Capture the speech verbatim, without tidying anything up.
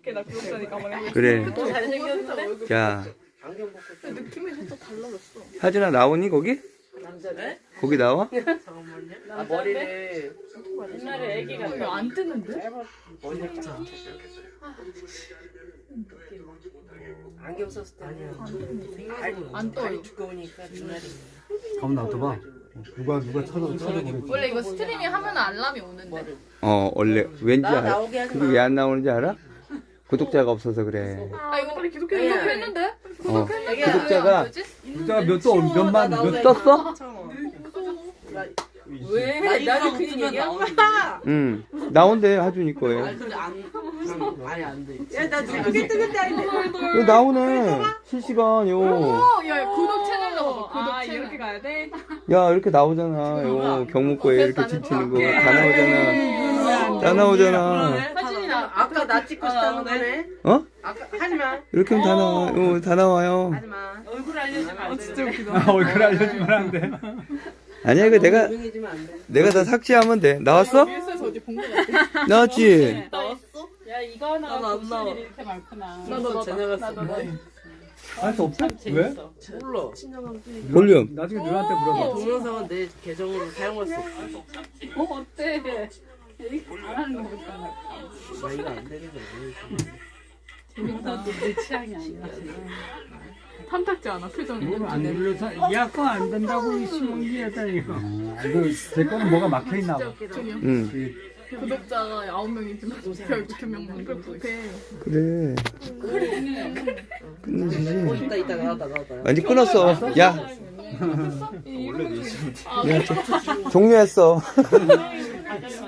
어떡해, 나 구독자니까 가만히. 그래. 또 잘생겼는데? 야, 느낌이 살짝 달라졌어. 하진아 나오니 거기? 남자네? 거기 나와? 잠깐만요. 아, 머리를 옛날에 애기가 이거 안 뜨는데? 머리를 딱 안경 썼을 때는 안 떠요. 다리 두꺼우니까 눈알이 가만 놔둬봐. 누가 누가 찾아 찾아보겠지. 원래 이거 스트리밍 하면 알람이 오는데. 어 원래 왠지 나 알아? 나오게 하지 그게 마. 왜 안 나오는지 알아? 구독자가 없어서 그래. 아 이거 빨리 구독해. 야. 구독했는데? 어. 애기야, 구독자가 뭐지? 구독자가 몇도 몇만 나오게 몇 하지 떴어? 왜? 나도 그 얘기야? 응. 나온대 하준이 거에. 근데 안 아예 안 돼. 야나 누구게 뜨는데 아닌데. 이거 나오네. 실시간 요. 어, 야 구독 채널 넣어. 구독 채널. 이렇게 가야 돼? 야 이렇게 나오잖아. 요 경무 거에 이렇게 지치는 거 다 나오잖아. 다 나오잖아. 사진이나 아까 나 찍고 싶다는 거네. 어? 아까 하지 마. 이렇게 하면 다 나와. 요, 다 나와요. 하지 마. 얼굴 알려주면 안 돼. 진짜 웃기다. 아, 얼굴 알려주면 안 돼. 아니야 이거 내가 유명해지면 안 돼. 내가 다 삭제하면 돼. 나왔어? 뉴스에서 어디 본 거 같아. 나왔지. 나왔어? 야 이거 하나 나도 안 나와. 이렇게 많구나. 나도 지나갔어. 할 수 없어? 왜? 몰라. 볼륨. 나중에 누나한테 물어봐. 동영상은 내 계정으로 사용할 수 없어. 어 어때? 안 하는 거 같아. 나 이거 안 되는 거야. 재밌다. 내 취향이 아니야. 탐탁지 않아 표정이. 안 눌러서 약간 안 된다고 신문기에다 이거. 아, 이거 제 거는 뭐가 막혀 있나 봐. 저기요. 응. 구독자가 아홉 명이지만 결국 두 명만 구독해. 그래. 끝내주지. 어, 이따 이따 나왔다 나왔다. 아니 끊었어. 야. 원래 야, 종료했어.